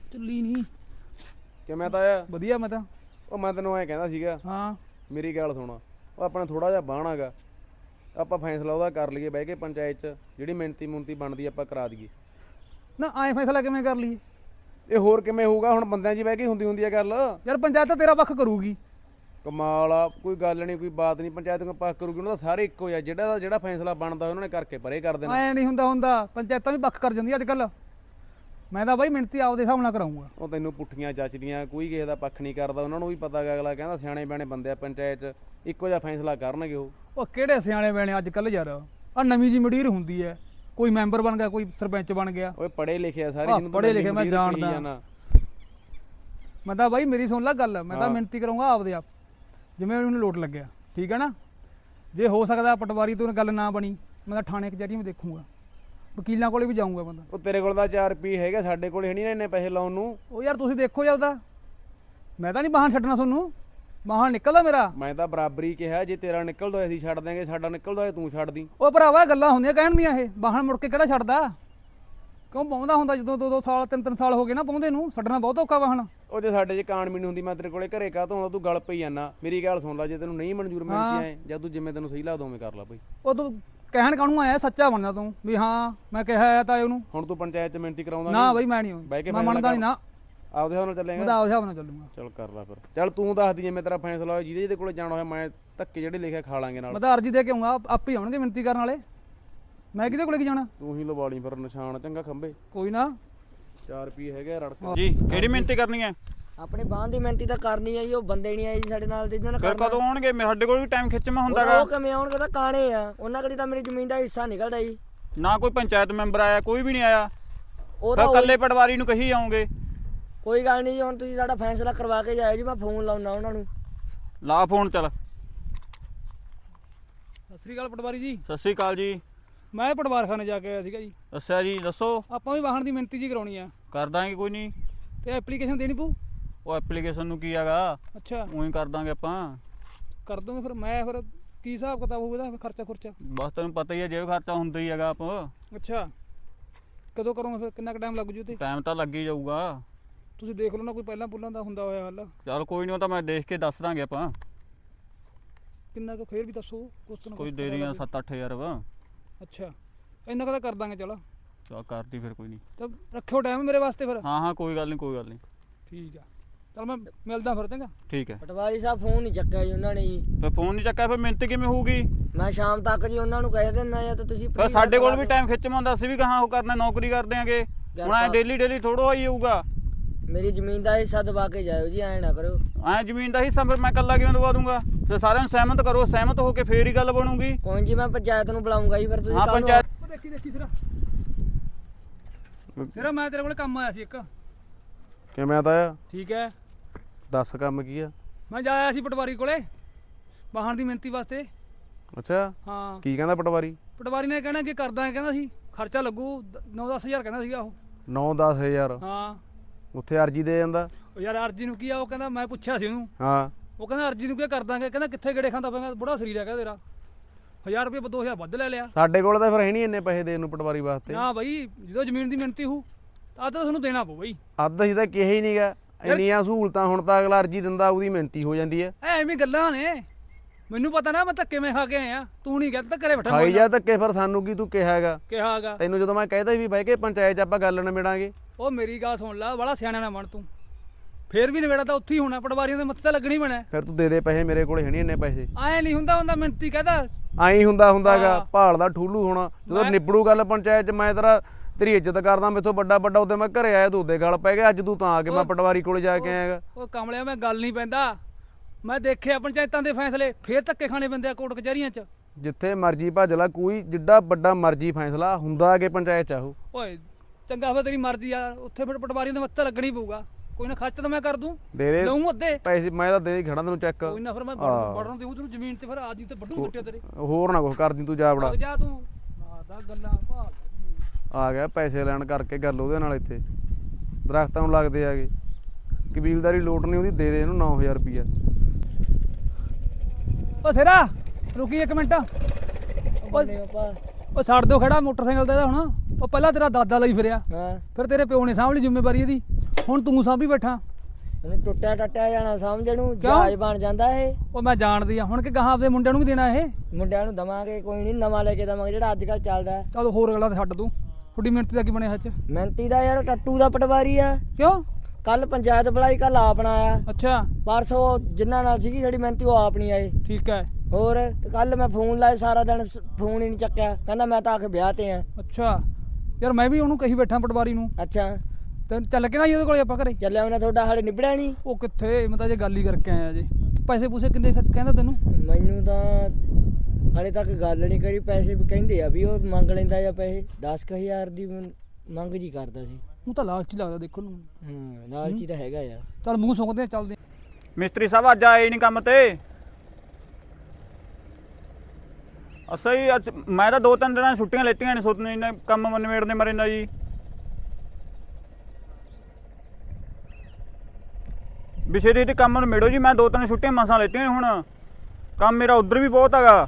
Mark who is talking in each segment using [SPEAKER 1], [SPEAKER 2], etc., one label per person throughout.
[SPEAKER 1] ਚੱਲੀ ਨਹੀਂ
[SPEAKER 2] ਕਿਵੇਂ ਤਾਇਆ?
[SPEAKER 1] ਵਧੀਆ ਮੈਂ ਤਾਂ
[SPEAKER 2] ਉਹ ਮੈਂ ਤੈਨੂੰ ਐਂ ਕਹਿੰਦਾ ਸੀਗਾ,
[SPEAKER 1] ਹਾਂ
[SPEAKER 2] ਮੇਰੀ ਗੱਲ ਸੁਣ। ਉਹ ਆਪਣਾ ਥੋੜਾ ਜਿਹਾ ਬਾਹਣਾ ਗਾ, ਆਪਾਂ ਫੈਸਲਾ ਉਹਦਾ ਕਰ ਲਈਏ ਬਹਿ ਕੇ ਪੰਚਾਇਤ 'ਚ, ਜਿਹੜੀ ਮਿਹਨਤੀ ਮੁੰਤੀ ਬਣਦੀ ਆਪਾਂ ਕਰਾ ਦਈਏ।
[SPEAKER 1] ਨਾ ਐਂ ਫੈਸਲਾ ਕਿਵੇਂ ਕਰ ਲਈਏ?
[SPEAKER 2] ਇਹ ਹੋਰ ਕਿਵੇਂ ਹੋਊਗਾ? ਹੁਣ ਬੰਦਿਆਂ 'ਚ ਬਹਿ ਕੇ ਹੁੰਦੀ ਆ ਗੱਲ।
[SPEAKER 1] ਯਾਰ ਪੰਚਾਇਤ ਤਾਂ ਤੇਰਾ ਪੱਖ ਕਰੂਗੀ।
[SPEAKER 2] ਕਮਾਲ ਆ, ਕੋਈ ਗੱਲ ਨਹੀਂ, ਕੋਈ ਬਾਤ ਨਹੀਂ। ਪੰਚਾਇਤ ਨੂੰ ਪੱਖ ਕਰੂਗੀ, ਉਹਨਾਂ ਦਾ ਸਾਰੇ ਇੱਕੋ ਹੀ ਆ। ਜਿਹੜਾ ਫੈਸਲਾ ਬਣਦਾ ਉਹਨਾਂ ਨੇ ਕਰਕੇ ਪਰੇ ਕਰ ਦੇਣਾ।
[SPEAKER 1] ਐਂ ਨਹੀਂ ਹੁੰਦਾ ਪੰਚਾਇਤਾਂ ਵੀ ਪੱਖ ਕਰ ਜਾਂਦੀਆਂ ਅੱਜ ਕੱਲ। ਮੈਂ ਤਾਂ ਬਾਈ ਮਿਹਨਤੀ ਆਪਦੇ ਹਿਸਾਬ ਨਾਲ ਕਰਾਉਂਗਾ।
[SPEAKER 2] ਉਹ ਤੈਨੂੰ ਪੁੱਠੀਆਂ ਜੱਚਦੀਆਂ, ਕੋਈ ਕਿਸੇ ਦਾ ਪੱਖ ਨਹੀਂ ਕਰਦਾ। ਉਹਨਾਂ ਨੂੰ ਵੀ ਪਤਾ ਗਾ, ਅਗਲਾ ਕਹਿੰਦਾ ਸਿਆਣੇ ਬਿਆਣੇ ਬੰਦੇ ਆ ਪੰਚਾਇਤ 'ਚ, ਇੱਕੋ ਜਿਹਾ ਫੈਸਲਾ ਕਰਨਗੇ ਉਹ
[SPEAKER 1] ਕਿਹੜੇ ਸਿਆਣੇ ਬੈਣੇ ਅੱਜ ਕੱਲ ਯਾਰ। ਆ ਨਵੀਂ ਜੀ ਮਡੀਰ ਹੁੰਦੀ ਹੈ, ਕੋਈ ਮੈਂਬਰ ਬਣ ਗਿਆ, ਕੋਈ ਸਰਪੰਚ ਬਣ ਗਿਆ।
[SPEAKER 2] ਓਏ ਪੜ੍ਹੇ ਲਿਖੇ ਆ ਸਾਰੇ,
[SPEAKER 1] ਪੜ੍ਹੇ ਲਿਖੇ ਮੈਂ ਜਾਣਦਾ। ਮੈਂ ਤਾਂ ਬਾਈ ਮੇਰੀ ਸੁਣ ਲੈ ਗੱਲ, ਮੈਂ ਤਾਂ ਮਿਹਨਤੀ ਕਰਾਉਂਗਾ ਆਪਦੇ ਆਪ, ਜਿਵੇਂ ਮੈਨੂੰ ਲੋਟ ਲੱਗਿਆ। ਠੀਕ ਹੈ ਨਾ? ਜੇ ਹੋ ਸਕਦਾ ਪਟਵਾਰੀ ਤੋਂ ਗੱਲ ਨਾ ਬਣੀ, ਮੈਂ ਤਾਂ ਥਾਣੇ ਕਚਹਿਰੀ ਵਿੱਚ ਦੇਖੂੰਗਾ, ਵਕੀਲਾਂ ਕੋਲੇ ਵੀ ਜਾਊਂਗਾ ਬੰਦਾ।
[SPEAKER 2] ਉਹ ਤੇਰੇ ਕੋਲ ਤਾਂ 4 ਰੁਪਏ ਹੈਗਾ, ਸਾਡੇ ਕੋਲ ਹੈ ਨਹੀਂ ਨਾ ਇੰਨੇ ਪੈਸੇ ਲਾਉਣ ਨੂੰ।
[SPEAKER 1] ਉਹ ਯਾਰ ਤੁਸੀਂ ਦੇਖੋ ਜਾਉਦਾ, ਮੈਂ ਤਾਂ ਨਹੀਂ ਬਾਹਰ ਛੱਡਣਾ ਤੁਹਾਨੂੰ। ਬਾਹਰ ਨਿਕਲਦਾ ਮੇਰਾ।
[SPEAKER 2] ਮੈਂ ਤਾਂ ਬਰਾਬਰੀ ਕਿਹਾ, ਜੇ ਤੇਰਾ ਨਿਕਲਦਾ ਹੋਇਆ ਅਸੀਂ ਛੱਡ ਦਾਂਗੇ, ਸਾਡਾ ਨਿਕਲਦਾ ਹੋਇਆ ਤੂੰ ਛੱਡ ਦੀ।
[SPEAKER 1] ਉਹ ਭਰਾਵਾ ਗੱਲਾਂ ਹੁੰਦੀਆਂ ਕਹਿਣ ਦੀਆਂ, ਇਹ ਬਾਹਰ ਮੁੜ ਕੇ ਕਿਹੜਾ ਛੱਡਦਾ? ਕਿਉਂ ਪਾਉਂਦਾ ਹੁੰਦਾ ਜਦੋਂ 2-2 ਸਾਲ 3-3 ਸਾਲ ਹੋ ਗਏ ਨਾ ਪਾਉਂਦੇ ਨੂੰ, ਛੱਡਣਾ ਬਹੁਤ ਔਖਾ ਵਾਹਣ।
[SPEAKER 2] ਉਹ ਜੇ ਸਾਡੇ 'ਚ ਕਾਣਮੀਨ ਹੁੰਦੀ, ਮੈਂ ਤੇਰੇ ਕੋਲੇ ਘਰੇ ਕਾਹਤੋਂ ਆਉਂਦਾ? ਤੂੰ ਗੱਲ ਪਈ ਜਾਂਦਾ। ਮੇਰੀ ਗੱਲ ਸੁਣ ਲੈ, ਜੇ ਤੈਨੂੰ ਨਹੀਂ ਮਨਜ਼ੂਰ ਮਿਲਦੀ ਐ, ਜਾਂ ਤੂੰ ਜਿਵੇਂ ਤੈਨੂੰ ਸਹੀ ਲੱਗਦਾ ਉਵੇਂ ਕਰ ਲੈ ਬਈ।
[SPEAKER 1] ਉਹ ਤੂੰ ਕਹਿਣ ਕਾਹਨੂੰ ਆਇਆ? ਸੱਚਾ ਬਣਨਾ ਤੂੰ ਵੀ ਹਾਂ ਮੈਂ ਕਿਹਾ ਆ ਤਾਂ ਉਹਨੂੰ।
[SPEAKER 2] ਹੁਣ ਤੂੰ ਪੰਚਾਇਤ 'ਚ ਮਿਹਨਤੀ ਕਰਾਉਂਦਾ
[SPEAKER 1] ਨਾ ਬਈ ਮੈਂ ਨਹੀਂ, ਮੈਂ ਮੰਨਦਾ ਨਹੀਂ ਨਾ।
[SPEAKER 2] ਆਪਦੇ ਹਿਸਾਬ ਨਾਲ ਚੱਲੇਗਾ?
[SPEAKER 1] ਮੈਂ ਤਾਂ ਆਪਦੇ ਹਿਸਾਬ ਨਾਲ ਚੱਲੂਗਾ।
[SPEAKER 2] ਚੱਲ ਕਰ ਲੈ ਫਿਰ। ਚੱਲ ਤੂੰ ਦੱਸ ਦੀ ਜਿਵੇਂ ਤੇਰਾ ਫੈਸਲਾ ਹੋਇਆ, ਜਿਹਦੇ ਕੋਲੇ ਜਾਣਾ ਹੋਇਆ, ਮੈਂ ਧੱਕੇ ਜਿਹੜੇ ਲਿਖਿਆ ਖਾ ਲਾਂਗੇ ਨਾਲ।
[SPEAKER 1] ਮੈਂ ਤਾਂ ਅਰਜੀ ਦੇ ਕੇ ਆਉਂਗਾ, ਆਪੇ ਆਉਣਗੇ ਮਿਹਨਤੀ ਕਰਨ ਵਾਲੇ। ਮੈਂ ਕਿਹਦੇ ਕੋਲੇ ਕੀ ਜਾਣਾ?
[SPEAKER 2] ਤੂੰ ਹੀ ਲਵਾ ਲਈ ਫਿਰ ਨਿਸ਼ਾਨ, ਚੰਗਾ ਖੰਬੇ।
[SPEAKER 1] ਕੋਈ ਨਾ।
[SPEAKER 2] 4 ਰੁਪਏ ਹੈਗੇ ਰੜਕ
[SPEAKER 3] ਜੀ। ਕਿਹੜੀ ਮਿਹਨਤੀ ਕਰਨੀ ਹੈ?
[SPEAKER 4] ਆਪਣੀ ਬਾਂਹ ਦੀ ਮਿਹਨਤੀ ਤਾਂ ਕਰਨੀ ਆ ਜੀ। ਉਹ ਬੰਦੇ ਨਹੀਂ ਆਏ ਜੀ ਸਾਡੇ ਨਾਲ, ਜਿਹਨਾਂ ਨਾਲ
[SPEAKER 3] ਫਿਰ ਕਦੋਂ ਆਉਣਗੇ? ਸਾਡੇ ਕੋਲ ਵੀ ਟਾਈਮ ਖਿੱਚਵਾਂ ਹੁੰਦਾਗਾ।
[SPEAKER 4] ਉਹ ਕਿਵੇਂ ਆਉਣਗੇ? ਤਾਂ ਕਾਣੇ ਆ, ਉਹਨਾਂ ਕੋਲ ਤਾਂ ਮੇਰੀ ਜ਼ਮੀਨ ਦਾ ਹਿੱਸਾ ਨਿਕਲਦਾ ਜੀ।
[SPEAKER 3] ਨਾ ਕੋਈ ਪੰਚਾਇਤ ਮੈਂਬਰ ਆਇਆ, ਕੋਈ ਵੀ ਨਹੀਂ ਆਇਆ।
[SPEAKER 4] ਉਹ
[SPEAKER 3] ਫਿਰ
[SPEAKER 4] ਤਾਂ
[SPEAKER 3] ਇਕੱਲੇ ਪਟਵਾਰੀ ਨੂੰ ਕਹੀ ਆਉਂਗੇ।
[SPEAKER 4] ਕੋਈ ਗੱਲ ਨਹੀਂ ਜੀ, ਹੁਣ ਤੁਸੀਂ ਸਾਡਾ ਫੈਸਲਾ ਕਰਵਾ ਕੇ ਜਾਇਓ ਜੀ। ਮੈਂ ਫੋਨ ਲਾਉਣਾ ਉਹਨਾਂ ਨੂੰ।
[SPEAKER 3] ਲਾ ਫੋਨ। ਚੱਲ।
[SPEAKER 1] ਸਤਿ ਸ੍ਰੀ ਅਕਾਲ ਪਟਵਾਰੀ ਜੀ।
[SPEAKER 3] ਸਤਿ ਸ੍ਰੀ ਅਕਾਲ ਜੀ।
[SPEAKER 1] ਮੈਂ ਪਟਵਾਰਖਾਨੇ ਜਾ ਕੇ ਆਇਆ ਸੀਗਾ ਜੀ।
[SPEAKER 3] ਅੱਛਾ ਜੀ, ਦੱਸੋ।
[SPEAKER 1] ਆਪਾਂ ਵੀ ਵਾਹਣ ਦੀ ਮਿਹਨਤੀ ਜੀ ਕਰਾਉਣੀ ਆ,
[SPEAKER 3] ਕਰ ਦਾਂਗੇ, ਕੋਈ ਨਹੀਂ।
[SPEAKER 1] ਤੇ ਐਪਲੀਕੇਸ਼ਨ ਦੇਣੀ ਪਊ?
[SPEAKER 3] ਉਹ ਐਪਲੀਕੇਸ਼ਨ ਨੂੰ ਕੀ ਹੈਗਾ,
[SPEAKER 1] ਅੱਛਾ
[SPEAKER 3] ਉਹੀ ਕਰ ਦਾਂਗੇ ਆਪਾਂ।
[SPEAKER 1] ਕਰ ਦੋਗੇ ਫਿਰ? ਮੈਂ ਫਿਰ ਕੀ ਹਿਸਾਬ ਕਿਤਾਬ ਹੋਊਗਾ ਇਹਦਾ ਖਰਚਾ ਖੁਰਚਾ?
[SPEAKER 3] ਬਸ ਤੈਨੂੰ ਪਤਾ ਹੀ ਹੈ, ਜੇ ਖਰਚਾ ਹੁੰਦਾ ਹੀ ਹੈਗਾ ਆਪ।
[SPEAKER 1] ਅੱਛਾ ਕਦੋਂ ਕਰੋਗੇ ਫਿਰ? ਕਿੰਨਾ ਕੁ ਟਾਈਮ ਲੱਗ ਜੂ? ਤੇ
[SPEAKER 3] ਟਾਈਮ ਤਾਂ ਲੱਗ ਹੀ ਜਾਊਗਾ।
[SPEAKER 1] ਤੁਸੀਂ ਦੇਖ ਲਓ ਨਾ, ਕੋਈ ਪਹਿਲਾਂ ਪੁੱਲਾਂ ਦਾ ਹੁੰਦਾ ਹੋਇਆ ਹੱਲ।
[SPEAKER 3] ਚੱਲ ਕੋਈ ਨਹੀਂ, ਉਹ ਤਾਂ ਮੈਂ ਦੇਖ ਕੇ ਦੱਸ ਦਾਂਗੇ ਆਪਾਂ।
[SPEAKER 1] ਕਿੰਨਾ ਕੁ ਫੇਰ ਵੀ ਦੱਸੋ ਕੁਛ ਤਾਂ
[SPEAKER 3] ਕੋਈ ਦੇ ਦੀਆਂ 7-8 ਹਜ਼ਾਰ ਵਾ।
[SPEAKER 1] ਅੱਛਾ ਇੰਨਾ ਕੁ ਤਾਂ ਕਰ ਦਾਂਗੇ। ਚਲ
[SPEAKER 3] ਚੱਲ ਕਰਦੀ ਫਿਰ, ਕੋਈ ਨਹੀਂ।
[SPEAKER 1] ਤਾਂ ਰੱਖਿਓ ਟਾਈਮ ਮੇਰੇ ਵਾਸਤੇ ਫਿਰ।
[SPEAKER 3] ਹਾਂ ਹਾਂ, ਕੋਈ ਗੱਲ ਨਹੀਂ, ਕੋਈ ਗੱਲ ਨਹੀਂ।
[SPEAKER 1] ਠੀਕ ਆ, ਚਲ ਮੈਂ ਮਿਲਦਾ ਫਿਰ। ਚੰਗਾ।
[SPEAKER 3] ਠੀਕ ਹੈ।
[SPEAKER 4] ਪਟਵਾਰੀ ਸਾਹਿਬ ਫੋਨ ਨਹੀਂ ਚੱਕਿਆ ਜੀ ਉਹਨਾਂ ਨੇ ਜੀ।
[SPEAKER 3] ਫਿਰ ਫੋਨ ਨਹੀਂ ਚੱਕਿਆ, ਫਿਰ ਮਿਹਨਤ ਕਿਵੇਂ ਹੋਊਗੀ?
[SPEAKER 4] ਮੈਂ ਸ਼ਾਮ ਤੱਕ ਜੀ ਉਹਨਾਂ ਨੂੰ ਕਹਿ ਦਿੰਦਾ ਜਾਂ ਤਾਂ ਤੁਸੀਂ
[SPEAKER 3] ਫਿਰ ਸਾਡੇ ਕੋਲ ਵੀ ਟਾਈਮ ਖਿੱਚਵਾਂ ਹੁੰਦਾ, ਅਸੀਂ ਵੀ ਕਹਾਂ ਉਹ ਕਰਨਾ, ਨੌਕਰੀ ਕਰਦੇ ਆਂਗੇ। ਹੁਣ ਐ ਡੇਲੀ ਥੋੜੋ ਹੀ ਹੋਊਗਾ।
[SPEAKER 4] ਮੇਰੀ ਜ਼ਮੀਨ ਦਾ ਹਿੱਸਾ ਦਬਾ ਕੇ ਜਾਇਓ ਜੀ, ਐਂ ਨਾ ਕਰੋ।
[SPEAKER 3] ਐ ਜ਼ਮੀਨ ਦਾ ਹਿੱਸਾ ਫਿਰ ਮੈਂ ਇਕੱਲਾ ਕਿਵੇਂ ਦਵਾ ਦੂੰਗਾ? ਫਿਰ ਸਾਰਿਆਂ ਨੂੰ ਸਹਿਮਤ ਕਰੋ, ਸਹਿਮਤ ਹੋ ਕੇ ਫੇਰ ਹੀ ਗੱਲ ਬਣੂਗੀ।
[SPEAKER 4] ਕੋਈ ਜੀ, ਮੈਂ ਪੰਚਾਇਤ ਨੂੰ ਬੁਲਾਉਂਗਾ ਜੀ। ਫਿਰ ਤੁਸੀਂ
[SPEAKER 3] ਹਾਂ,
[SPEAKER 4] ਕੱਲ੍ਹ ਨੂੰ
[SPEAKER 3] ਪੰਚਾਇਤ।
[SPEAKER 1] ਉਹ ਦੇਖੀ ਸਿਰਾ ਸਿਰਾ, ਮੈਂ ਤੇਰੇ ਕੋਲ ਕੰਮ ਆਇਆ ਸੀ ਇੱਕ।
[SPEAKER 2] ਕਿਵੇਂ ਤਾਇਆ?
[SPEAKER 1] ਠੀਕ ਹੈ,
[SPEAKER 2] ਦੱਸ ਕੰਮ ਕੀ ਆ?
[SPEAKER 1] ਮੈਂ ਜਾ ਆਇਆ ਸੀ ਪਟਵਾਰੀ ਕੋਲੇ ਵਾਹਣ ਦੀ ਮਿਹਨਤੀ ਵਾਸਤੇ।
[SPEAKER 2] ਅੱਛਾ,
[SPEAKER 1] ਹਾਂ
[SPEAKER 2] ਕੀ ਕਹਿੰਦਾ ਪਟਵਾਰੀ?
[SPEAKER 1] ਪਟਵਾਰੀ ਨੇ ਕਹਿਣਾ ਕਿ ਕਰਦਾ, ਕਹਿੰਦਾ ਸੀ ਖਰਚਾ ਲੱਗੂ 9-10 ਹਜ਼ਾਰ ਕਹਿੰਦਾ ਸੀਗਾ ਉਹ।
[SPEAKER 2] 9-10 ਹਜ਼ਾਰ?
[SPEAKER 1] ਹਾਂ।
[SPEAKER 2] ਉੱਥੇ ਅਰਜੀ ਦੇ ਜਾਂਦਾ?
[SPEAKER 1] ਉਹ ਯਾਰ ਅਰਜੀ ਨੂੰ ਕੀ ਆ? ਉਹ ਕਹਿੰਦਾ, ਮੈਂ ਪੁੱਛਿਆ ਸੀ ਉਹਨੂੰ।
[SPEAKER 2] ਹਾਂ।
[SPEAKER 1] ਉਹ ਕਹਿੰਦਾ ਅਰਜੀ ਨੂੰ ਕੀ ਕਰ ਦਾਂਗੇ? ਕਹਿੰਦਾ ਕਿੱਥੇ ਗੇੜੇ ਖਾਂਦਾ ਪਿਆ, ਬੁੜਾ ਸਰੀਰ ਹੈਗਾ ਤੇਰਾ। 1000 ਰੁਪਏ 2000 ਵੱਧ ਲੈ ਲਿਆ।
[SPEAKER 2] ਸਾਡੇ ਕੋਲ ਤਾਂ ਫਿਰ ਹੈ ਨਹੀਂ ਇੰਨੇ ਪੈਸੇ ਦੇਣ ਨੂੰ ਪਟਵਾਰੀ ਵਾਸਤੇ।
[SPEAKER 1] ਨਾ ਬਈ, ਜਦੋਂ ਜ਼ਮੀਨ ਦੀ ਮਿਹਨਤੀ ਹੋਊ ਤਾਂ ਤੁਹਾਨੂੰ ਦੇਣਾ ਪਊ ਬਈ।
[SPEAKER 2] ਅੱਧ ਅਸੀਂ ਤਾਂ ਕਿਹਾ ਹੀ ਨਹੀਂਗਾ। ਇੰਨੀਆਂ ਸਹੂਲਤਾਂ ਹੁਣ ਤਾਂ ਅਗਲਾ ਅਰਜੀ ਦਿੰਦਾ, ਉਹਦੀ ਮਿਹਨਤੀ ਹੋ ਜਾਂਦੀ ਹੈ।
[SPEAKER 1] ਐਵੇਂ ਗੱਲਾਂ ਨੇ, ਮੈਨੂੰ ਪਤਾ ਨਾ। ਮੈਂ ਧੱਕੇ ਮੈਂ ਖਾ ਕੇ ਆਇਆ, ਤੂੰ ਨਹੀਂ ਗਿਆ ਤਾਂ ਘਰੇ ਬੈਠਾ
[SPEAKER 2] ਖਾਈ ਜਾ ਧੱਕੇ। ਫਿਰ ਸਾਨੂੰ ਕੀ ਤੂੰ ਕਿਹਾ ਹੈਗਾ?
[SPEAKER 1] ਕਿਹਾ ਹੈਗਾ
[SPEAKER 2] ਤੈਨੂੰ ਜਦੋਂ ਮੈਂ ਕਹਿਦਾ ਵੀ ਬਹਿ ਕੇ ਪੰਚਾਇਤ 'ਚ ਆਪਾਂ ਗੱਲ ਨਿਬੇੜਾਂਗੇ।
[SPEAKER 1] ਉਹ ਮੇਰੀ ਗੱਲ ਸੁਣ ਲੈ, ਬੜਾ ਸਿਆਣਾ ਨਾ ਬਣ ਤੂੰ। ਫੇਰ ਵੀ ਨਿਬੇੜਾ ਤਾਂ ਉੱਥੇ ਹੀ ਹੋਣਾ, ਪਟਵਾਰੀਆਂ ਦੇ ਮੱਥੇ ਤਾਂ ਲੱਗਣੀ ਬਣਾ।
[SPEAKER 2] ਫਿਰ ਤੂੰ ਦੇ ਪੈਸੇ, ਮੇਰੇ ਕੋਲ ਹੈ ਨਹੀਂ ਇੰਨੇ ਪੈਸੇ।
[SPEAKER 1] ਐ ਨਹੀਂ ਹੁੰਦਾ ਮਿਹਨਤੀ ਕਹਦਾ।
[SPEAKER 2] ਆਈ ਹੁੰਦਾਗਾ ਭਾਲ ਦਾ ਠੂਲੂ ਹੋਣਾ। ਜਦੋਂ ਨਿਬੜੂ ਗੱਲ ਪੰਚਾਇਤ 'ਚ, ਮੈਂ ਤੇਰੀ ਇੱਜ਼ਤ ਕਰਦਾ। ਮੈਥੋਂ ਵੱਡਾ ਉਹਦੇ ਮੈਂ ਘਰੇ ਆਇਆ, ਤੂੰ ਉਹਦੇ ਗੱਲ ਪੈ ਗਿਆ। ਅੱਜ ਤੂੰ ਤਾਂ ਆ ਕੇ ਮੈਂ ਪਟਵਾਰੀ ਕੋਲੇ ਜਾ ਕੇ ਆਇਆਗਾ।
[SPEAKER 1] ਉਹ ਕਮਲਿਆ, ਮੈਂ ਗੱਲ ਨਹੀਂ ਪੈਂਦਾ। ਮੈਂ ਦੇਖਿਆ ਪੰਚਾਇਤਾਂ ਦੇ ਫੈਸਲੇ, ਫੇਰ ਧੱਕੇ ਖਾਣੇ ਪੈਂਦੇ ਆ ਕੋਰਟ ਕਚਹਿਰੀਆਂ 'ਚ।
[SPEAKER 2] ਜਿੱਥੇ ਮਰਜ਼ੀ ਭੱਜ ਲਾ, ਕੋਈ ਜਿੱਡਾ ਵੱਡਾ ਮਰਜ਼ੀ ਫੈਸਲਾ ਹੁੰਦਾ ਕਿ ਪੰਚਾਇਤ 'ਚ ਆਹੋ।
[SPEAKER 1] ਓਏ ਚੰਗਾ, ਫਿਰ ਤੇਰੀ ਮਰਜ਼ੀ ਆ। ਉੱਥੇ ਫਿਰ ਪਟਵਾਰੀਆਂ ਦੇ ਮੱਥੇ ਲੱਗਣੀ ਪਊਗਾ। ਕੋਈ ਨਾ, ਖਰਚ ਤਾਂ ਮੈਂ ਕਰ ਦੂੰ,
[SPEAKER 2] ਦੇ
[SPEAKER 1] ਲਊਂ ਅੱਧੇ
[SPEAKER 2] ਪੈਸੇ। ਮੈਂ ਤਾਂ ਦੇ ਖੜਾ ਤੈਨੂੰ ਚੈੱਕ।
[SPEAKER 1] ਕੋਈ ਨਾ, ਫਿਰ ਮੈਂ ਵੜਨ ਦੇਊ ਤੈਨੂੰ ਜ਼ਮੀਨ ਤੇ। ਫਿਰ ਆਜੀ ਤੇ ਵੱਡੂ ਸੁੱਟਿਆ ਤੇਰੇ।
[SPEAKER 2] ਹੋਰ ਨਾ ਕੁਛ ਕਰਦੀ ਤੂੰ, ਜਾ ਬੜਾ।
[SPEAKER 1] ਜਾ ਤੂੰ ਮਾਰਦਾ ਗੱਲਾਂ ਭਾਲ।
[SPEAKER 2] ਆ ਗਿਆ ਪੈਸੇ ਲੈਣ ਕਰਕੇ ਗੱਲ ਉਹਦੇ ਨਾਲ। ਇੱਥੇ ਦਰਖਤਾਂ ਨੂੰ ਲੱਗਦੇ ਆਗੇ। ਕਬੀਲਦਾਰੀ ਲੋਟ ਨਹੀਂ ਉਹਦੀ, ਦੇ ਇਹਨੂੰ 9000 ਰੁਪਈਆ।
[SPEAKER 1] ਓ ਸਿਰਾ ਰੁਕੀ ਇੱਕ ਮਿੰਟ। ਉਹ ਛੱਡ ਦੋ ਖੜਾ ਮੋਟਰਸਾਈਕਲ ਦਾ ਹੁਣ। ਉਹ ਪਹਿਲਾਂ ਤੇਰਾ ਦਾਦਾ ਲਈ ਫਿਰਿਆ,
[SPEAKER 4] ਹਾਂ।
[SPEAKER 1] ਫਿਰ ਤੇਰੇ ਪਿਓ ਨੇ ਸਾਂਭ ਲਈ ਜ਼ਿੰਮੇਵਾਰੀ ਇਹਦੀ। ਹੁਣ ਤੂੰ ਸਾਂਭੀ ਬੈਠਾ।
[SPEAKER 4] ਉਹਨੂੰ ਟੁੱਟਿਆ ਟੱਟਿਆ ਜਾਣਾ ਸਮਝ ਨੂੰ ਜਹਾਜ਼ ਬਣ ਜਾਂਦਾ ਇਹ।
[SPEAKER 1] ਉਹ ਮੈਂ ਜਾਣਦੀ ਆ ਹੁਣ ਕਿ ਗਾਹਾਂ ਆਪਦੇ ਮੁੰਡਿਆਂ ਨੂੰ ਵੀ ਦੇਣਾ ਇਹ।
[SPEAKER 4] ਮੁੰਡਿਆਂ ਨੂੰ ਦਵਾਂਗੇ ਕੋਈ ਨਹੀਂ, ਨਵਾਂ ਲੈ ਕੇ ਦਵਾਂਗੇ ਜਿਹੜਾ ਅੱਜ ਕੱਲ ਚੱਲਦਾ।
[SPEAKER 1] ਚੱਲ ਹੋਰ ਗੱਲਾਂ ਤੇ ਛੱਡ ਤੂੰ, ਥੋੜੀ ਮਿਹਨਤ ਦਾ ਕੀ ਬਣਿਆ ਸੱਚ?
[SPEAKER 4] ਮਿਹਨਤੀ ਦਾ ਯਾਰ ਟੱਟੂ ਦਾ ਪਟਵਾਰੀ ਆ।
[SPEAKER 1] ਕਿਉਂ?
[SPEAKER 4] ਕੱਲ ਪੰਚਾਇਤ ਬੁਲਾਈ, ਕੱਲ ਆਪ ਨਾ ਆਇਆ।
[SPEAKER 1] ਅੱਛਾ
[SPEAKER 4] ਪਰਸੋਂ ਜਿੰਨਾਂ ਨਾਲ ਸੀਗੀ ਸਾਡੀ ਮਿਹਨਤੀ ਉਹ ਆਪ ਨਹੀਂ ਆਏ।
[SPEAKER 1] ਠੀਕ ਹੈ।
[SPEAKER 4] ਹੋਰ ਕੱਲ ਮੈਂ ਫੋਨ ਲਾਇਆ ਸਾਰਾ ਦਿਨ ਫੋਨ ਹੀ ਨਹੀਂ ਚੱਕਿਆ, ਕਹਿੰਦਾ ਮੈਂ ਤਾਂ ਆ ਕੇ ਵਿਆਹ ਤੇ ਆ।
[SPEAKER 1] ਅੱਛਾ ਯਾਰ ਮੈਂ ਵੀ ਉਹਨੂੰ ਕਹੀ ਬੈਠਾ ਪਟਵਾਰੀ ਨੂੰ,
[SPEAKER 4] ਅੱਛਾ
[SPEAKER 1] ਤੇ ਚੱਲ ਕੇ ਨਾ ਜੀ ਉਹਦੇ ਕੋਲੇ ਆਪਾਂ ਘਰੇ।
[SPEAKER 4] ਚੱਲਿਆ ਉਹਨੇ, ਤੁਹਾਡਾ ਹਾਲੇ ਨਿਬੜਿਆ ਨਹੀਂ?
[SPEAKER 1] ਉਹ ਕਿੱਥੇ, ਮੈਂ ਤਾਂ ਜੇ ਗੱਲ ਹੀ ਕਰਕੇ ਆਇਆ ਜੇ। ਪੈਸੇ ਪੂਸੇ ਕਿੰਨੇ ਸੱਚ ਕਹਿੰਦਾ ਤੈਨੂੰ?
[SPEAKER 4] ਮੈਨੂੰ ਤਾਂ ਹਾਲੇ ਤੱਕ ਗੱਲ ਨਹੀਂ ਕਰੀ। ਪੈਸੇ ਵੀ ਕਹਿੰਦੇ ਆ ਵੀ ਉਹ ਮੰਗ ਲੈਂਦਾ ਜਾਂ ਪੈਸੇ 10,000 ਦੀ ਮੰਗ ਜੀ ਕਰਦਾ ਸੀ।
[SPEAKER 1] ਉਹ ਤਾਂ ਲਾਲਚੀ ਲੱਗਦਾ ਦੇਖੋ ਨੂੰ।
[SPEAKER 4] ਹਾਂ ਲਾਲਚੀ ਤਾਂ ਹੈਗਾ ਯਾਰ।
[SPEAKER 1] ਚੱਲ ਮੂੰਹ ਸੁੰਘਦੇ ਆ, ਚੱਲਦੇ ਆ।
[SPEAKER 3] ਮਿਸਤਰੀ ਸਾਹਿਬ ਅੱਜ ਆਏ ਨਹੀਂ ਕੰਮ ਤੇ। ਅਸਈ ਅੱਜ ਮੈਂ ਤਾਂ 2-3 ਦਿਨਾਂ ਛੁੱਟੀਆਂ ਲੈਤੀਆਂ ਨੇ ਸੋਤਨੇ ਇਹਨੇ ਕੰਮ ਨਿਬੇੜਨੇ ਮਰੇ ਨਾ ਜੀ। ਵਿਸ਼ੇ ਦੀ ਕੰਮ ਨਿਬੇੜੋ ਜੀ, ਮੈਂ 2-3 ਛੁੱਟੀਆਂ ਮਸਾਂ ਲੈਤੀਆਂ ਨੇ ਹੁਣ। ਕੰਮ ਮੇਰਾ ਉਧਰ ਵੀ ਬਹੁਤ ਹੈਗਾ।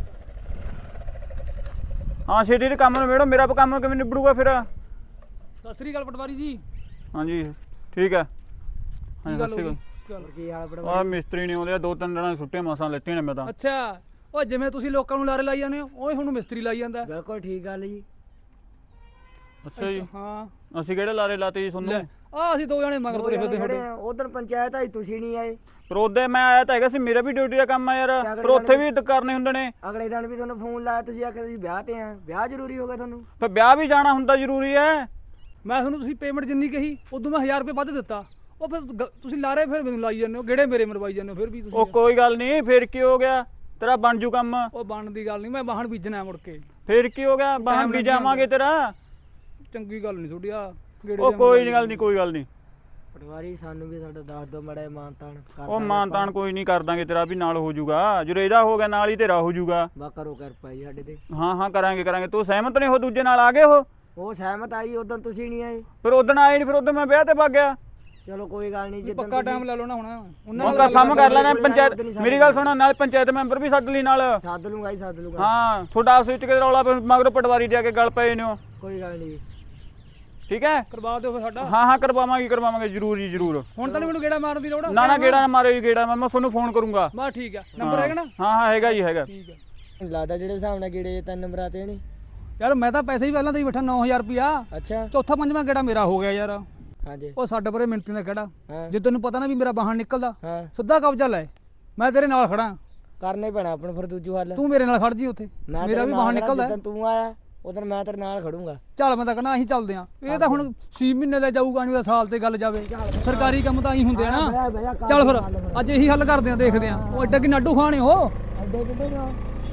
[SPEAKER 3] ਹਾਂ ਛੇਤੀ ਦੇ ਕੰਮ ਨਿਬੇੜੋ, ਮੇਰਾ ਕੰਮ ਕਿਵੇਂ ਨਿਬੜੂਗਾ ਫਿਰ?
[SPEAKER 1] ਸਤਿ ਸ੍ਰੀ ਅਕਾਲ ਪਟਵਾਰੀ ਜੀ।
[SPEAKER 3] ਹਾਂਜੀ ਠੀਕ ਹੈ।
[SPEAKER 1] ਕੀ ਗੱਲ ਹੋ ਗਈ?
[SPEAKER 4] ਕੀ ਹਾਲ ਬੜਾ?
[SPEAKER 3] ਆ ਮਿਸਤਰੀ ਨਹੀਂ ਆਉਂਦੇ, 2-3 ਦਿਨਾਂ ਦੀ ਛੁੱਟੀਆਂ ਮਸਾਂ ਲੈਤੀਆਂ ਨੇ ਮੈਂ ਤਾਂ।
[SPEAKER 1] ਅੱਛਾ ਉਹ ਜਿਵੇਂ ਤੁਸੀਂ ਲੋਕਾਂ ਨੂੰ ਲਾਰੇ ਲਾਈ ਜਾਂਦੇ ਹੋ ਉਹ ਹੁਣ ਮਿਸਤਰੀ ਲਾਈ ਜਾਂਦਾ।
[SPEAKER 4] ਬਿਲਕੁਲ ਠੀਕ ਗੱਲ ਜੀ।
[SPEAKER 3] ਅੱਛਾ ਜੀ,
[SPEAKER 1] ਹਾਂ
[SPEAKER 3] ਅਸੀਂ ਕਿਹੜੇ ਲਾਰੇ ਲਾਤੇ ਜੀ ਤੁਹਾਨੂੰ?
[SPEAKER 1] ਆ ਅਸੀਂ ਦੋ ਜਣੇ ਮਗਰ ਤੁਰੇ ਫਿਰਦੇ ਤੁਹਾਡੇ।
[SPEAKER 4] ਉਧਰ ਪੰਚਾਇਤ ਆਈ, ਤੁਸੀਂ ਨਹੀਂ ਆਏ।
[SPEAKER 3] ਪਰ ਉਹਦੇ ਮੈਂ ਆਇਆ ਤਾਂ ਹੈਗਾ ਸੀ, ਮੇਰਾ ਵੀ ਡਿਊਟੀ ਦਾ ਕੰਮ ਆ ਯਾਰ, ਪਰ ਉੱਥੇ ਵੀ ਕਰਨੇ ਹੁੰਦੇ ਨੇ।
[SPEAKER 4] ਅਗਲੇ ਦਿਨ ਵੀ ਤੁਹਾਨੂੰ ਫੋਨ ਲਾਇਆ, ਤੁਸੀਂ ਆਖਿਆ ਤੁਸੀਂ ਵਿਆਹ ਤੇ ਆ। ਵਿਆਹ ਜ਼ਰੂਰੀ ਹੋ ਗਿਆ ਤੁਹਾਨੂੰ?
[SPEAKER 3] ਫਿਰ ਵਿਆਹ ਵੀ ਜਾਣਾ ਹੁੰਦਾ ਜ਼ਰੂਰੀ ਹੈ।
[SPEAKER 1] ਮੈਂ ਤੁਹਾਨੂੰ ਤੁਸੀਂ ਪੇਮੈਂਟ ਜਿੰਨੀ ਕਹੀ ਉਦੋਂ ਮੈਂ 1000 ਰੁਪਏ ਵੱਧ ਦਿੱਤਾ। ਉਹ ਫਿਰ ਤੁਸੀਂ ਲਾਰੇ ਫਿਰ ਮੈਨੂੰ ਲਾਈ ਜਾਂਦੇ ਹੋ, ਗੇੜੇ ਮੇਰੇ ਮਰਵਾਈ ਜਾਂਦੇ ਹੋ ਫਿਰ ਵੀ ਤੁਸੀਂ।
[SPEAKER 3] ਉਹ ਕੋਈ ਗੱਲ ਨਹੀਂ, ਫਿਰ ਕੀ ਹੋ ਗਿਆ, ਤੇਰਾ ਬਣ ਜੂ ਕੰਮ।
[SPEAKER 1] ਉਹ ਬਣਨ ਦੀ ਗੱਲ ਨਹੀਂ, ਮੈਂ ਵਾਹਣ ਬੀਜਣਾ ਮੁੜ ਕੇ।
[SPEAKER 3] ਫਿਰ ਕੀ ਹੋ ਗਿਆ, ਬਾਹਰ ਵੀ ਜਾਵਾਂਗੇ ਤੇਰਾ।
[SPEAKER 1] ਚੰਗੀ ਗੱਲ ਨਹੀਂ ਤੁਹਾਡੀ ਆ ਗੇੜੇ।
[SPEAKER 3] ਉਹ ਕੋਈ ਗੱਲ ਨਹੀਂ, ਕੋਈ ਗੱਲ ਨਹੀਂ।
[SPEAKER 4] ਪਟਵਾਰੀ ਸਾਨੂੰ ਵੀ ਸਾਡਾ ਦੱਸ ਦਿਓ ਮੜਾ ਮਾਨਤਾਨ ਕਰ।
[SPEAKER 3] ਉਹ ਮਾਨਤਾਨ ਕੋਈ ਨਹੀਂ ਕਰ ਦਾਂਗੇ, ਤੇਰਾ ਵੀ ਨਾਲ ਹੋ ਜਾਊਗਾ। ਜਦੋਂ ਇਹਦਾ ਹੋ ਗਿਆ ਨਾਲ ਹੀ ਤੇਰਾ ਹੋ ਜਾਊਗਾ।
[SPEAKER 4] ਬਾ ਕਰੋ ਕਿਰਪਾ ਜੀ ਸਾਡੇ ਤੇ।
[SPEAKER 3] ਹਾਂ ਹਾਂ ਕਰਾਂਗੇ ਕਰਾਂਗੇ। ਤੂੰ ਸਹਿਮਤ ਨਹੀਂ ਹੋ ਦੂਜੇ ਨਾਲ ਆ ਗਏ ਹੋ?
[SPEAKER 4] ਉਹ ਸਹਿਮਤ ਆਈ, ਉਦੋਂ ਤੁਸੀਂ ਨਹੀਂ ਆਏ।
[SPEAKER 3] ਫਿਰ ਉਦਣ ਆਏ ਨਹੀਂ, ਫਿਰ ਉਦੋਂ ਮੈਂ ਵਿਆਹ ਤੇ ਭੱਗ ਗਿਆ।
[SPEAKER 4] ਚਲੋ ਕੋਈ ਗੱਲ ਨਹੀਂ, ਜਿੱਦਾਂ
[SPEAKER 1] ਪੱਕਾ ਟਾਈਮ ਲੈ ਲਓ ਨਾ ਹੁਣ ਉਹਨਾਂ
[SPEAKER 3] ਉਹ ਕੰਮ ਕਰ ਲੈਣਾ ਪੰਚਾਇਤ। ਮੇਰੀ ਗੱਲ ਸੁਣੋ, ਨਾਲ ਪੰਚਾਇਤ ਮੈਂਬਰ ਵੀ ਸੱਦ ਲਈ ਨਾਲ।
[SPEAKER 4] ਸੱਦ ਲੂੰਗਾ ਜੀ, ਸੱਦ ਲੂੰਗਾ।
[SPEAKER 3] ਹਾਂ ਤੁਹਾਡਾ ਆਪਸ ਵਿੱਚ ਕਿਤੇ ਰੌਲਾ ਮਗਰ ਪਟਵਾਰੀ ਦੇ ਆ ਕੇ ਗੱਲ ਪਏ ਨੇ ਹੋ।
[SPEAKER 4] ਕੋਈ ਗੱਲ ਨਹੀਂ,
[SPEAKER 3] ਠੀਕ ਹੈ
[SPEAKER 1] ਕਰਵਾ ਦਿਓ ਫਿਰ ਸਾਡਾ।
[SPEAKER 3] ਹਾਂ ਹਾਂ ਕਰਵਾਵਾਂਗੇ ਜ਼ਰੂਰ ਜੀ ਜ਼ਰੂਰ।
[SPEAKER 1] ਹੁਣ ਤਾਂ ਮੈਨੂੰ ਗੇੜਾ ਮਾਰਨ ਦੀ ਲੋੜ ਆ।
[SPEAKER 3] ਨਾ ਗੇੜਾ ਨਾ ਮਾਰਿਓ ਜੀ, ਗੇੜਾ ਮੈਂ ਤੁਹਾਨੂੰ ਫੋਨ ਕਰੂੰਗਾ।
[SPEAKER 1] ਬਸ ਠੀਕ ਆ, ਨੰਬਰ ਹੈਗਾ ਨਾ?
[SPEAKER 3] ਹਾਂ ਹਾਂ ਹੈਗਾ ਜੀ ਹੈਗਾ।
[SPEAKER 1] ਠੀਕ ਹੈ।
[SPEAKER 4] ਲੱਗਦਾ ਜਿਹੜੇ ਹਿਸਾਬ ਨਾਲ ਗੇੜੇ 3 ਨੰਬਰਾਂ ਤੇ ਨਹੀਂ।
[SPEAKER 1] ਯਾਰ ਮੈਂ ਤਾਂ ਪੈਸੇ ਹੀ ਪਹਿਲਾਂ ਤੇ ਹੀ ਬੈਠਾ 9000 ਰੁਪਿਆ।
[SPEAKER 4] ਅੱਛਾ
[SPEAKER 1] ਚੌਥਾ ਪੰਜਵਾਂ ਗੇੜਾ ਮੇਰਾ ਹੋ ਗਿਆ ਯਾਰ।
[SPEAKER 4] ਹਾਂਜੀ
[SPEAKER 1] ਉਹ ਸਾਡੇ ਪਰੇ ਮਿੰਟੀ ਦਾ ਕਿਹੜਾ
[SPEAKER 4] ਹਾਂ
[SPEAKER 1] ਜੇ ਤੈਨੂੰ ਪਤਾ ਨਾ ਵੀ ਮੇਰਾ ਬਾਹਣ ਨਿਕਲਦਾ
[SPEAKER 4] ਹਾਂ
[SPEAKER 1] ਸਿੱਧਾ ਕਬਜ਼ਾ ਲੈ, ਮੈਂ ਤੇਰੇ ਨਾਲ ਖੜਾ।
[SPEAKER 4] ਕਰਨੇ ਪੈਣਾ ਆਪਣਾ ਫਿਰ ਦੂਜੂ ਹੱਲ।
[SPEAKER 1] ਤੂੰ ਮੇਰੇ ਨਾਲ ਖੜ ਜੀ ਉੱਥੇ, ਮੇਰਾ ਵੀ ਬਾਹਣ ਨਿਕਲਦਾ।
[SPEAKER 4] ਜਦੋਂ ਤੂੰ ਆਇਆ ਉਦੋਂ ਮੈਂ ਤੇਰੇ ਨਾਲ ਖੜੂੰਗਾ।
[SPEAKER 1] ਚੱਲ ਮੈਂ ਤਾਂ ਕਹਿੰਦਾ ਅਸੀਂ ਚੱਲਦੇ ਆਂ। ਇਹ ਤਾਂ ਹੁਣ 6 ਮਹੀਨੇ ਲੈ ਜਾਊਗਾ, ਨਹੀਂ ਸਾਲ ਤੇ ਗੱਲ ਜਾਵੇ। ਸਰਕਾਰੀ ਕੰਮ ਤਾਂ ਅਸੀਂ ਹੁੰਦੇ ਆ ਨਾ। ਚੱਲ ਫਿਰ ਅੱਜ ਇਹੀ ਹੱਲ ਕਰਦੇ ਆਂ, ਦੇਖਦੇ ਆਂ। ਉਹ ਐਡਾ ਕਿ ਨਾਡੂ ਖਾਣੇ ਹੋ।
[SPEAKER 4] ਅੱਡੇ ਕਿੱਡੇ ਜਾ?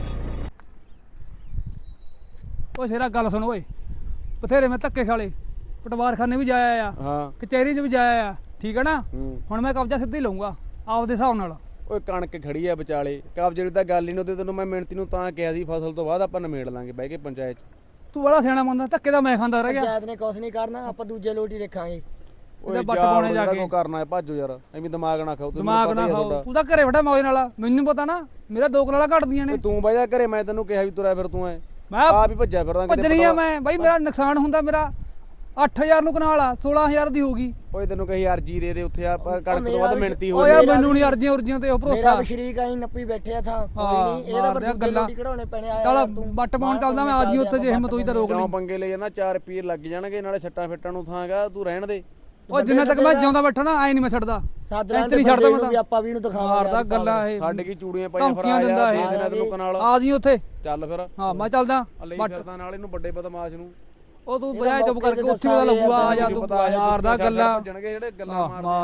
[SPEAKER 1] ਓਏ ਸ਼ੇਰਾ ਗੱਲ ਸੁਣ ਓਏ, ਬਥੇਰੇ ਮੈਂ ਧੱਕੇ ਖਾਲੇ, ਪਟਵਾਰਖਾਨੇ ਵੀ ਜਾਇਆ ਆ,
[SPEAKER 2] ਹਾਂ
[SPEAKER 1] ਕਚਹਿਰੀ 'ਚ ਵੀ ਜਾਇਆ ਆ, ਠੀਕ ਹੈ ਨਾ। ਹੁਣ ਮੈਂ ਕਬਜ਼ਾ ਸਿੱਧਾ ਹੀ ਲਊਂਗਾ ਆਪਦੇ ਹਿਸਾਬ ਨਾਲ।
[SPEAKER 2] ਓਏ ਕਣਕ ਖੜੀ ਆ ਵਿਚਾਲੇ, ਕਬਜ਼ੇ ਦੀ ਤਾਂ ਗੱਲ ਹੀ ਨਹੀਂ। ਉਹਦੇ ਤੈਨੂੰ ਮੈਂ ਮਿਹਨਤੀ ਨੂੰ ਤਾਂ ਕਿਹਾ ਸੀ ਫਸਲ ਤੋਂ ਬਾਅਦ ਆਪਾਂ ਨਿਮੇੜ ਲਾਂਗੇ ਬਹਿ ਕੇ ਪੰਚਾਇਤ 'ਚ।
[SPEAKER 1] ਤੂੰ ਬੜਾ ਸਿਆਣਾ ਬੰਦਾ, ਧੱਕੇ ਦਾ ਮੈਂ ਖਾਂਦਾ ਰਹਿ ਗਿਆ।
[SPEAKER 4] ਪੰਚਾਇਤ ਨੇ ਕੁਛ ਨਹੀਂ ਕਰਨਾ, ਆਪਾਂ ਦੂਜੇ ਲੋਟ ਹੀ ਦੇਖਾਂਗੇ।
[SPEAKER 1] ਉਹਦੇ ਬੱਟ ਪਾਉਣੇ ਜਾ ਕੇ
[SPEAKER 2] ਕੋ ਕਰਨਾ ਹੈ, ਭਾਜੋ ਯਾਰ ਐਵੇਂ ਦਿਮਾਗ ਨਾ ਖਾਓ।
[SPEAKER 1] ਦਿਮਾਗ ਨਾ ਖਾਓ, ਤੂੰ ਤਾਂ ਘਰੇ ਬੈਠਾ ਮੌਜ ਨਾਲ। ਮੈਨੂੰ ਪਤਾ ਨਾ ਮੇਰਾ 2 ਕਨਾਲਾਂ ਘਟਦੀਆਂ ਨੇ।
[SPEAKER 2] ਤੂੰ ਬਹਿ ਜਾ ਘਰੇ, ਮੈਂ ਤੈਨੂੰ ਕਿਹਾ ਵੀ ਤੁਰਿਆ ਫਿਰ ਤੂੰ ਐ
[SPEAKER 1] ਮੈਂ
[SPEAKER 2] ਆਪ ਹੀ ਭੱਜਿਆ ਫਿਰਦਾ।
[SPEAKER 1] ਭੱਜਣੀ ਆ ਮੈਂ ਬਾਈ, ਮੇਰਾ ਨੁਕਸਾਨ ਹੁੰਦਾ। ਮੇਰਾ 8000 ਨੂੰ ਕਨਾਲ ਆ, 16000 ਦੀ ਹੋਊਗੀ।
[SPEAKER 2] ਓਏ ਤੈਨੂੰ ਕਹੀ ਅਰਜੀ ਦੇ ਉੱਥੇ ਯਾਰ ਕਣਕ ਤੋਂ ਬਾਅਦ ਮਿਹਨਤੀ ਹੋ
[SPEAKER 1] ਓ ਯਾਰ ਮੈਨੂੰ ਨਹੀਂ ਅਰਜ਼ੀਆਂ ਉਰਜੀਆਂ ਤੇ ਉਹ
[SPEAKER 4] ਮੇਰਾ
[SPEAKER 1] ਭਰੋਸਾ।
[SPEAKER 4] ਵੀ ਸ਼ਰੀਕ ਆਈ ਨੱਪੀ ਬੈਠੇ ਆ ਥਾਂ। ਕੋਈ ਨਹੀਂ ਇਹਦਾ ਪਰ ਗੱਲਾਂ ਕਢਾਉਣੇ ਪੈਣੇ ਆ।
[SPEAKER 1] ਚੱਲ ਬੱਟ ਪਾਉਣ ਚੱਲਦਾ ਮੈਂ। ਆ ਜੀ ਉੱਥੇ ਜੇ ਹਿੰਮਤ ਹੋਈ ਤਾਂ ਰੋਕ
[SPEAKER 2] ਕਿਉਂ
[SPEAKER 1] ਲਈ।
[SPEAKER 2] ਪੰਗੇ ਲੈ ਜਾਣਾ? 4 ਰੁਪਏ ਲੱਗ ਜਾਣਗੇ, ਨਾਲੇ ਛੱਟਾਂ ਫਿੱਟਾਂ ਨੂੰ ਥਾਂਗਾ। ਤੂੰ ਰਹਿਣ ਦੇ।
[SPEAKER 1] ਉਹ ਜਿੰਨਾ ਤੱਕ ਮੈਂ ਜਿਉਂਦਾ ਬੈਠਾ ਨਾ ਐ ਨਹੀਂ ਮੈਂ ਛੱਡਦਾ।
[SPEAKER 4] ਇੱਥੇ
[SPEAKER 1] ਨਹੀਂ ਛੱਡਦਾ ਮੈਂ ਤਾਂ।
[SPEAKER 4] ਆਪਾਂ ਵੀ ਇਹਨੂੰ ਦਿਖਾਵਾਂਗੇ।
[SPEAKER 1] ਮਾਰਦਾ ਗੱਲਾਂ ਇਹ,
[SPEAKER 2] ਛੱਡ ਕੀ ਚੂੜੀਆਂ ਪਾਈਆਂ ਫਿਰ
[SPEAKER 1] ਧਮਕੀਆਂ ਦਿੰਦਾ ਇਹ।
[SPEAKER 2] ਦੇ ਦੇਣਾ ਤੈਨੂੰ ਕਨਾਲ।
[SPEAKER 1] ਆ ਜੀ ਉੱਥੇ।
[SPEAKER 2] ਚੱਲ ਫਿਰ
[SPEAKER 1] ਹਾਂ ਮੈਂ ਚੱਲਦਾ।
[SPEAKER 2] ਲਈ ਫਿਰਦਾ ਨਾਲ ਇਹਨੂੰ ਵੱਡੇ ਬਦਮਾਸ਼ ਨੂੰ।
[SPEAKER 1] ਉਹ ਤੂੰ ਬਜਾਏ ਚੁੱਪ ਕਰਕੇ ਉੱਥੇ ਦਾ ਲੱਗੂਗਾ। ਆ ਜਾ ਤੂੰ, ਮਾਰਦਾ ਗੱਲਾਂ।
[SPEAKER 2] ਜਿਹੜੇ ਗੱਲਾਂ ਮਾਰਦੇ